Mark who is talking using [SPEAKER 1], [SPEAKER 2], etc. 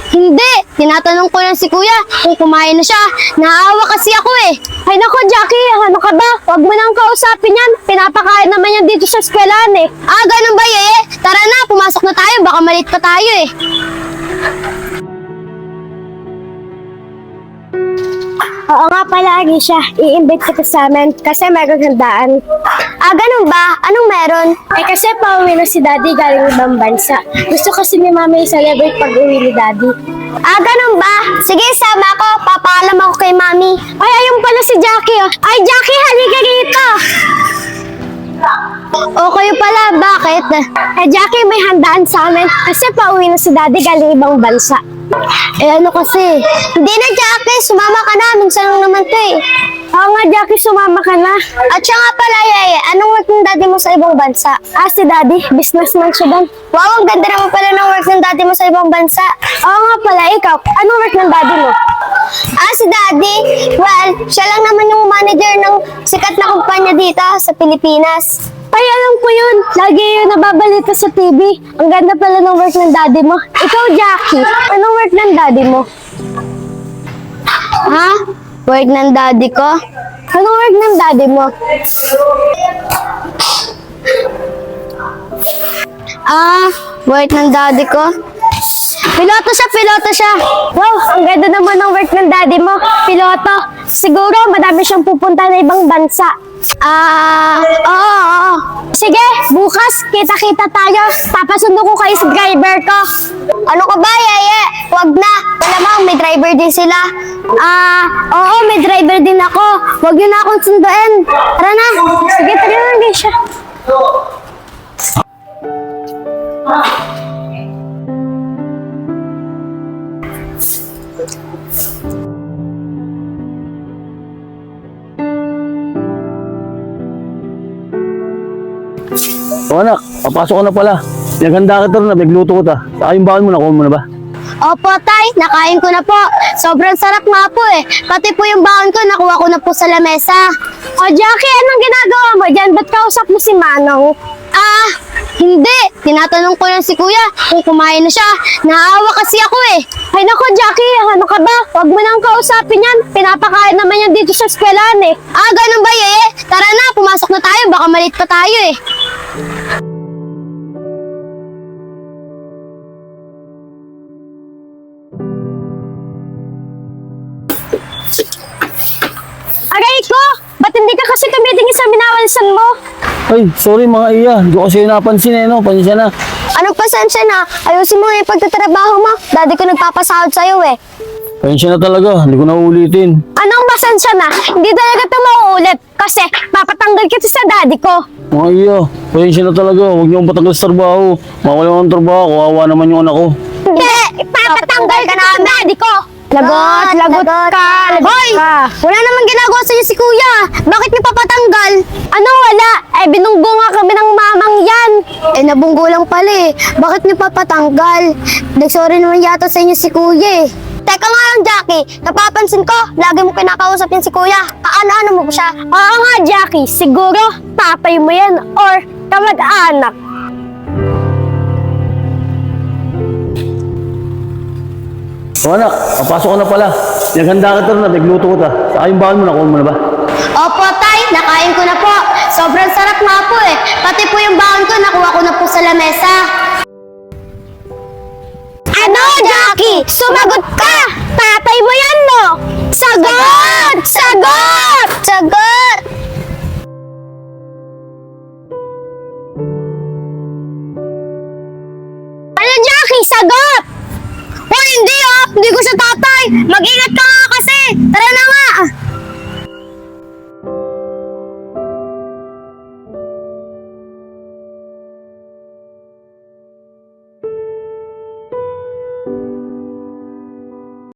[SPEAKER 1] Hindi, tinatanong ko lang si kuya kung kumain na siya. Naawa kasi ako eh.
[SPEAKER 2] Ay nako, Jackie, ano ka ba? Huwag mo nang kausapin yan. Pinapakain naman yan dito sa eskwelahan eh.
[SPEAKER 1] Ah, ganun ba Tara na, pumasok na tayo. Baka malit pa tayo eh.
[SPEAKER 2] Oo nga pala, Anisha. I-invite kita sa amin kasi meron handaan.
[SPEAKER 1] Ah, ganun ba? Anong meron?
[SPEAKER 2] Eh kasi pauwi na si Daddy galing ibang bansa. Gusto kasi ni Mami i-celebrate pag-uwi ni Daddy.
[SPEAKER 1] Ah, ganun ba? Sige, sama ko. Papaalam ako kay Mami.
[SPEAKER 2] Ay, ayun pala si Jackie. Oh. Ay, Jackie, halika rito.
[SPEAKER 1] O kayo pala, bakit?
[SPEAKER 2] Eh, Jackie, may handaan sa amin kasi pauwi na si Daddy galing ibang bansa.
[SPEAKER 1] Eh ano kasi? Hindi na, Jackie. Sumama ka na. Minsan lang naman to eh.
[SPEAKER 2] Oo nga, Jackie, sumama ka na.
[SPEAKER 1] At siya nga pala, anong work ng daddy mo sa ibang bansa?
[SPEAKER 2] Ah, si Daddy, businessman siya doon.
[SPEAKER 1] Wow, ang ganda naman pala ng work ng daddy mo sa ibang bansa.
[SPEAKER 2] Oo nga pala, ikaw, anong work ng Daddy mo?
[SPEAKER 1] Ah, si daddy? Well, siya lang naman yung manager ng sikat na kumpanya dito sa Pilipinas.
[SPEAKER 2] Ay, alam ko yun. Lagi yun nababalita sa TV. Ang ganda pala ng work ng Daddy mo. Ikaw, Jackie, anong work ng Daddy mo?
[SPEAKER 1] Ha? Work ng daddy ko?
[SPEAKER 2] Anong work ng Daddy mo?
[SPEAKER 1] Ah, work ng daddy ko? Piloto siya.
[SPEAKER 2] Wow, ang ganda naman ng work ng Daddy mo. Piloto. Siguro, madami siyang pupunta na ibang bansa.
[SPEAKER 1] Ah, oo.
[SPEAKER 2] Sige, bukas, kita-kita tayo. Papasundo ko kayo sa driver ko.
[SPEAKER 1] Ano ka ba, Huwag na. Malamang may driver din sila.
[SPEAKER 2] Ah, oo, may driver din ako.
[SPEAKER 1] Huwag yun na akong sunduin. Tara na.
[SPEAKER 2] Sige, tara na, Alicia.
[SPEAKER 3] O anak, papasok ka na pala. Naghanda kita rin na, nagluto ko ta. Saka yung baon mo, nakuha mo na ba?
[SPEAKER 1] Opo, tay. Nakain ko na po. Sobrang sarap nga po eh. Pati po yung baon ko, nakuha ko na po sa lamesa.
[SPEAKER 2] O, Jackie, anong ginagawa mo dyan? Ba't kausap mo si Manong?
[SPEAKER 1] Ah, hindi. Tinatanong ko lang si kuya kung kumain na siya. Naawa kasi ako eh.
[SPEAKER 2] Ay nako, Jackie, ano ka ba? Huwag mo nang kausapin yan. Pinapakain naman yan dito sa eskwelahan eh.
[SPEAKER 1] Ah, ganun ba Tara na, pumasok na tayo. Baka malit pa tayo eh.
[SPEAKER 2] Aray ko! Ba't hindi ka kasi tumitingin sa minawansan mo?
[SPEAKER 3] Ay, sorry mga iya. Hindi ko kasi napansin eh, no? Pansya na.
[SPEAKER 1] Anong pasensya na? Ayusin mo yung pagtatrabaho mo. Daddy ko nagpapasahod sa'yo eh.
[SPEAKER 3] Pansya na talaga. Hindi ko na uulitin.
[SPEAKER 2] Anong pasensya na? Hindi talaga ito mauulit kasi papatanggal kita sa daddy ko.
[SPEAKER 3] Mga iya, pansya na talaga. Huwag niyo akong patanggal sa trabaho. Mawala akong trabaho. Kawawa naman yung anak ko.
[SPEAKER 2] Hindi! Ipapatanggal ka na sa daddy ko! Lagot ka!
[SPEAKER 1] Hoy! Wala namang ginagawa sa'yo si kuya. Bakit niyo papatanggal?
[SPEAKER 2] Anong wala? Eh, binunggo nga kami ng mamang yan.
[SPEAKER 1] Eh, nabunggo lang pala eh. Bakit niyo papatanggal? Nagsorry naman yata sa inyo si kuya eh. Teka nga lang, Jackie. Napapansin ko, lagi mo kinakausap yan si kuya. Kaano-ano mo ba siya?
[SPEAKER 2] Oo nga, Jackie. Siguro, tatay mo yan or kamag-anak.
[SPEAKER 3] O anak, papasok ka na pala. Naghanda kita rin na, nagluto ko ta. Saka yung baon mo, nakuha mo na ba?
[SPEAKER 1] Opo, tay. Nakain ko na po. Sobrang sarap nga po eh. Pati po yung baon ko, nakuha ko na po sa lamesa.
[SPEAKER 2] Ano, Jackie? Sumagot ka! Tatay mo yan, no? Sagot! Sagot!
[SPEAKER 1] Sagot!
[SPEAKER 2] Ano, Jackie? Sagot!
[SPEAKER 1] Hoy, hindi Hindi ko siya tatay! Mag-ingat ka nga kasi! Tara na nga!